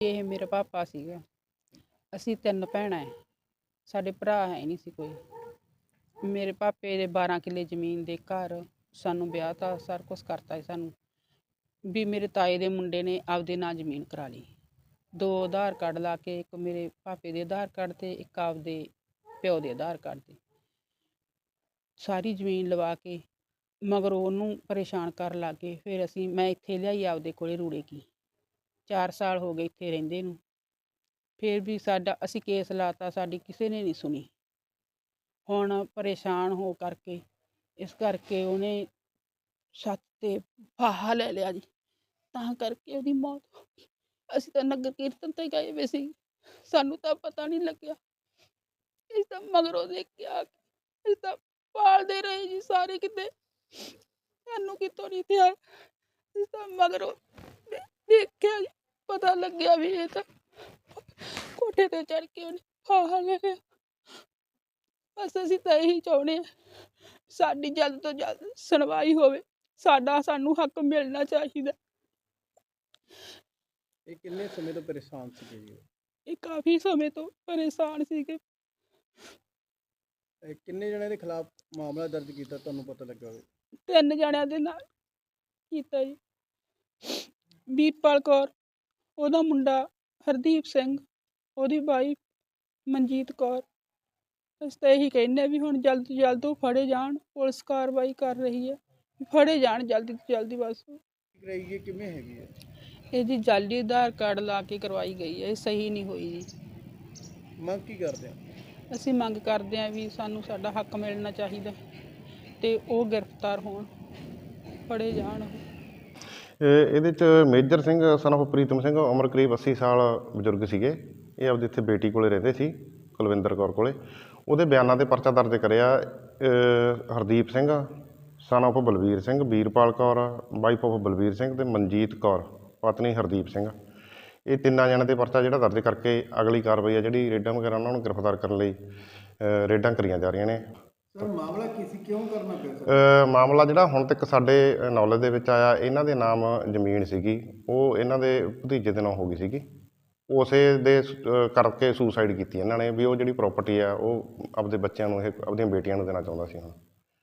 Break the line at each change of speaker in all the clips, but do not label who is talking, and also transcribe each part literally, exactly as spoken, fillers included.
ਇਹ ਮੇਰਾ ਪਾਪਾ ਸੀਗਾ। ਅਸੀਂ ਤਿੰਨ ਭੈਣਾਂ ਹੈ, ਸਾਡੇ ਭਰਾ ਹੈ ਨਹੀਂ ਸੀ ਕੋਈ। ਮੇਰੇ ਪਾਪੇ ਦੇ ਬਾਰਾਂ ਕਿੱਲੇ ਜ਼ਮੀਨ ਦੇ ਘਰ, ਸਾਨੂੰ ਵਿਆਹ ਤਾਂ ਸਾਰਾ ਕੁਛ ਕਰਤਾ ਸੀ ਸਾਨੂੰ ਵੀ। ਮੇਰੇ ਤਾਏ ਦੇ ਮੁੰਡੇ ਨੇ ਆਪਦੇ ਨਾਂ ਜ਼ਮੀਨ ਕਰਾ ਲਈ, ਦੋ ਆਧਾਰ ਕਾਰਡ ਲਾ ਕੇ, ਇੱਕ ਮੇਰੇ ਪਾਪੇ ਦੇ ਆਧਾਰ ਕਾਰਡ 'ਤੇ, ਇੱਕ ਆਪਦੇ ਪਿਓ ਦੇ ਆਧਾਰ ਕਾਰਡ 'ਤੇ ਸਾਰੀ ਜ਼ਮੀਨ ਲਵਾ ਕੇ ਮਗਰ ਉਹਨੂੰ ਪਰੇਸ਼ਾਨ ਕਰਨ ਲੱਗ ਗਏ। ਫਿਰ ਅਸੀਂ ਮੈਂ ਇੱਥੇ ਲਿਆਈ ਆਪਦੇ ਕੋਲੇ ਰੂੜੇ ਕੀ, ਚਾਰ ਸਾਲ ਹੋ ਗਏ ਇੱਥੇ ਰਹਿੰਦੇ ਨੂੰ। ਫਿਰ ਵੀ ਸਾਡਾ ਅਸੀਂ ਕੇਸ ਲਾਤਾ, ਸਾਡੀ ਕਿਸੇ ਨੇ ਨਹੀਂ ਸੁਣੀ। ਹੁਣ ਪਰੇਸ਼ਾਨ ਹੋ ਕਰਕੇ ਇਸ ਕਰਕੇ ਉਹਨੇ ਛੱਤ 'ਤੇ ਫਾਹਾ ਲੈ ਲਿਆ ਜੀ, ਤਾਂ ਕਰਕੇ ਉਹਦੀ ਮੌਤ ਹੋ ਗਈ। ਅਸੀਂ ਤਾਂ ਨਗਰ ਕੀਰਤਨ 'ਤੇ ਗਏ ਵੇ ਸੀ, ਸਾਨੂੰ ਤਾਂ ਪਤਾ ਨਹੀਂ ਲੱਗਿਆ। ਅਸੀਂ ਤਾਂ ਮਗਰੋਂ ਦੇਖਿਆ, ਅਸੀਂ ਤਾਂ ਪਾਲਦੇ ਰਹੇ ਜੀ ਸਾਰੇ ਕਿਤੇ, ਸਾਨੂੰ ਕਿਤੋਂ ਨਹੀਂ ਥਿਆ। ਅਸੀਂ ਤਾਂ ਮਗਰੋਂ ਦੇਖਿਆ ਜੀ, ਪਤਾ ਲੱਗਿਆ ਵੀ ਇਹ ਤਾਂ ਕੋਠੇ 'ਤੇ ਚੜ੍ਹ ਕੇ ਉਹਨੇ ਫਾਹਾ ਲੈ ਲਿਆ। ਬਸ ਅਸੀਂ ਤਾਂ ਇਹੀ ਚਾਹੁੰਦੇ ਹਾਂ, ਸਾਡੀ ਜਲਦ ਤੋਂ ਜਲਦ ਸੁਣਵਾਈ ਹੋਵੇ, ਸਾਡਾ ਸਾਨੂੰ ਹੱਕ ਮਿਲਣਾ ਚਾਹੀਦਾ।
ਇਹ ਕਿੰਨੇ ਸਮੇਂ ਤੋਂ ਪਰੇਸ਼ਾਨ ਸੀਗੇ ਜੀ?
ਇਹ ਕਾਫੀ ਸਮੇਂ ਤੋਂ ਪਰੇਸ਼ਾਨ ਸੀਗੇ।
ਇਹ ਕਿੰਨੇ ਜਣਿਆਂ ਦੇ ਖਿਲਾਫ ਮਾਮਲਾ ਦਰਜ ਕੀਤਾ ਤੁਹਾਨੂੰ ਪਤਾ ਲੱਗਾ ਹੋਵੇ?
ਤਿੰਨ ਜਣਿਆਂ ਦੇ ਨਾਲ ਕੀਤਾ ਜੀ। ਵੀਰਪਾਲ ਕੌਰ, ਉਹਦਾ ਮੁੰਡਾ ਹਰਦੀਪ ਸਿੰਘ, ਉਹਦੀ ਵਾਈਫ ਮਨਜੀਤ ਕੌਰ। ਅਸੀਂ ਤਾਂ ਇਹੀ ਕਹਿੰਦੇ ਵੀ ਹੁਣ ਜਲਦ ਤੋਂ ਜਲਦ ਉਹ ਫੜੇ ਜਾਣ, ਪੁਲਿਸ ਕਾਰਵਾਈ ਕਰ ਰਹੀ ਹੈ, ਫੜੇ ਜਾਣ ਜਲਦੀ ਤੋਂ ਜਲਦੀ। ਬਸ
ਕਰਾਈਏ ਕਿਵੇਂ ਹੈਗੀ ਹੈ
ਇਹ ਜੀ ਜਾਲੀ ਆਧਾਰ ਕਾਰਡ ਲਾ ਕੇ ਕਰਵਾਈ ਗਈ ਹੈ, ਇਹ ਸਹੀ ਨਹੀਂ ਹੋਈ ਜੀ।
ਮੰਗ ਕੀ ਕਰਦੇ ਆ?
ਅਸੀਂ ਮੰਗ ਕਰਦੇ ਹਾਂ ਵੀ ਸਾਨੂੰ ਸਾਡਾ ਹੱਕ ਮਿਲਣਾ ਚਾਹੀਦਾ ਤੇ ਉਹ ਗ੍ਰਿਫਤਾਰ ਹੋਣ, ਫੜੇ ਜਾਣ।
ਇਹ ਇਹਦੇ 'ਚ ਮੇਜਰ ਸਿੰਘ ਸਨ ਆਫ ਪ੍ਰੀਤਮ ਸਿੰਘ, ਉਮਰ ਕਰੀਬ ਅੱਸੀ ਸਾਲ ਬਜ਼ੁਰਗ ਸੀਗੇ। ਇਹ ਆਪਦੀ ਇੱਥੇ ਬੇਟੀ ਕੋਲੇ ਰਹਿੰਦੇ ਸੀ, ਕੁਲਵਿੰਦਰ ਕੌਰ ਕੋਲੇ। ਉਹਦੇ ਬਿਆਨਾਂ 'ਤੇ ਪਰਚਾ ਦਰਜ ਕਰਿਆ। Hardeep Singh son of Balvir Singh, Veerpal Kaur wife of Balvir Singh ਅਤੇ ਮਨਜੀਤ ਕੌਰ ਪਤਨੀ ਹਰਦੀਪ ਸਿੰਘ, ਇਹ ਤਿੰਨਾਂ ਜਣਿਆਂ 'ਤੇ ਪਰਚਾ ਜਿਹੜਾ ਦਰਜ ਕਰਕੇ ਅਗਲੀ ਕਾਰਵਾਈ ਆ ਜਿਹੜੀ ਰੇਡਾਂ ਵਗੈਰਾ ਉਹਨਾਂ ਨੂੰ ਗ੍ਰਿਫਤਾਰ ਕਰਨ ਲਈ ਰੇਡਾਂ ਕਰੀਆਂ ਜਾ ਰਹੀਆਂ ਨੇ।
ਸਰ ਮਾਮਲਾ ਕੀ ਸੀ, ਕਿਉਂ ਕਰਨਾ ਪਿਆ?
ਮਾਮਲਾ ਜਿਹੜਾ ਹੁਣ ਤੱਕ ਸਾਡੇ ਨੌਲੇਜ ਦੇ ਵਿੱਚ ਆਇਆ, ਇਹਨਾਂ ਦੇ ਨਾਮ ਜ਼ਮੀਨ ਸੀਗੀ, ਉਹ ਇਹਨਾਂ ਦੇ ਭਤੀਜੇ ਦੇ ਨਾਮ ਹੋ ਗਈ ਸੀਗੀ। ਉਸੇ ਦੇ ਕਰਕੇ ਸੁਸਾਈਡ ਕੀਤੀ ਇਹਨਾਂ ਨੇ ਵੀ ਉਹ ਜਿਹੜੀ ਪ੍ਰੋਪਰਟੀ ਆ ਉਹ ਆਪਦੇ ਬੱਚਿਆਂ ਨੂੰ, ਇਹ ਆਪਦੀਆਂ ਬੇਟੀਆਂ ਨੂੰ ਦੇਣਾ ਚਾਹੁੰਦਾ ਸੀ ਹੁਣ।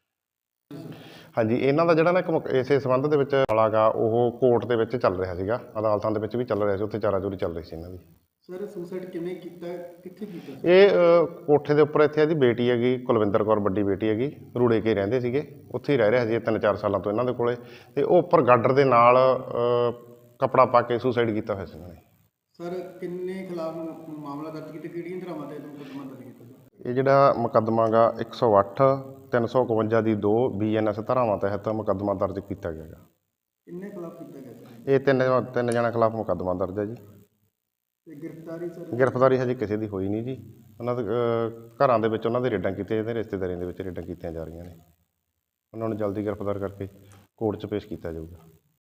ਹਾਂਜੀ, ਇਹਨਾਂ ਦਾ ਜਿਹੜਾ ਨਾ ਇੱਕ ਇਸੇ ਸੰਬੰਧ ਦੇ ਵਿੱਚ ਮਾਮਲਾ ਗਾ, ਉਹ ਕੋਰਟ ਦੇ ਵਿੱਚ ਚੱਲ ਰਿਹਾ ਸੀਗਾ, ਅਦਾਲਤਾਂ ਦੇ ਵਿੱਚ ਵੀ ਚੱਲ ਰਿਹਾ ਸੀ, ਉੱਥੇ ਚਾਰਾ ਚੋਰੀ ਚੱਲ ਰਹੀ ਸੀ ਇਹਨਾਂ ਦੀ।
ਸਰ ਸੁਸਾਈਡ ਕਿਵੇਂ ਕੀਤਾ, ਕਿੱਥੇ ਕੀਤਾ?
ਇਹ ਕੋਠੇ ਦੇ ਉੱਪਰ ਇੱਥੇ ਇਹਦੀ ਬੇਟੀ ਹੈਗੀ ਕੁਲਵਿੰਦਰ ਕੌਰ, ਵੱਡੀ ਬੇਟੀ ਹੈਗੀ, ਰੂੜੇ ਕੇ ਰਹਿੰਦੇ ਸੀਗੇ, ਉੱਥੇ ਹੀ ਰਹਿ ਰਿਹਾ ਸੀ ਤਿੰਨ ਚਾਰ ਸਾਲਾਂ ਤੋਂ ਇਹਨਾਂ ਦੇ ਕੋਲੇ। ਅਤੇ ਉਹ ਉੱਪਰ ਗਾਡਰ ਦੇ ਨਾਲ ਕੱਪੜਾ ਪਾ ਕੇ ਸੁਸਾਈਡ ਕੀਤਾ ਹੋਇਆ ਸੀ ਇਹਨਾਂ ਨੇ।
ਸਰ ਕਿੰਨੇ ਖਿਲਾਫ ਮਾਮਲਾ ਦਰਜ ਕੀਤਾ, ਕਿਹੜੀਆਂ ਧਾਰਾਵਾਂ 'ਤੇ ਮੁਕੱਦਮਾ ਦਰਜ ਕੀਤਾ? ਇਹ
ਜਿਹੜਾ ਮੁਕੱਦਮਾ ਗਾ ਇੱਕ ਸੌ ਅੱਠ, ਤਿੰਨ ਸੌ ਇਕਵੰਜਾ ਦੀ ਦੋ ਬੀ ਐਨ ਐਸ ਧਾਰਾਵਾਂ ਤਹਿਤ ਮੁਕੱਦਮਾ ਦਰਜ ਕੀਤਾ ਗਿਆ ਗਾ।
ਕਿੰਨੇ ਖਿਲਾਫ ਕੀਤਾ ਗਿਆ?
ਇਹ ਤਿੰਨ ਤਿੰਨ ਜਣਿਆਂ ਖਿਲਾਫ ਮੁਕੱਦਮਾ ਦਰਜ ਹੈ ਜੀ।
ਤੇ ਗ੍ਰਿਫਤਾਰੀ ਸਰ?
ਗ੍ਰਿਫਤਾਰੀ ਹਜੇ ਕਿਸੇ ਦੀ ਹੋਈ ਨਹੀਂ ਜੀ। ਉਹਨਾਂ ਦੇ ਘਰਾਂ ਦੇ ਵਿੱਚ ਉਹਨਾਂ ਦੇ ਰੇਡਾਂ ਕੀਤੀਆਂ ਜਾਂਦੀਆਂ, ਰਿਸ਼ਤੇਦਾਰੀਆਂ ਦੇ ਵਿੱਚ ਰੇਡਾਂ ਕੀਤੀਆਂ ਜਾ ਰਹੀਆਂ ਨੇ। ਉਹਨਾਂ ਨੂੰ ਜਲਦੀ ਗ੍ਰਿਫਤਾਰ ਕਰਕੇ ਕੋਰਟ 'ਚ ਪੇਸ਼ ਕੀਤਾ ਜਾਊਗਾ।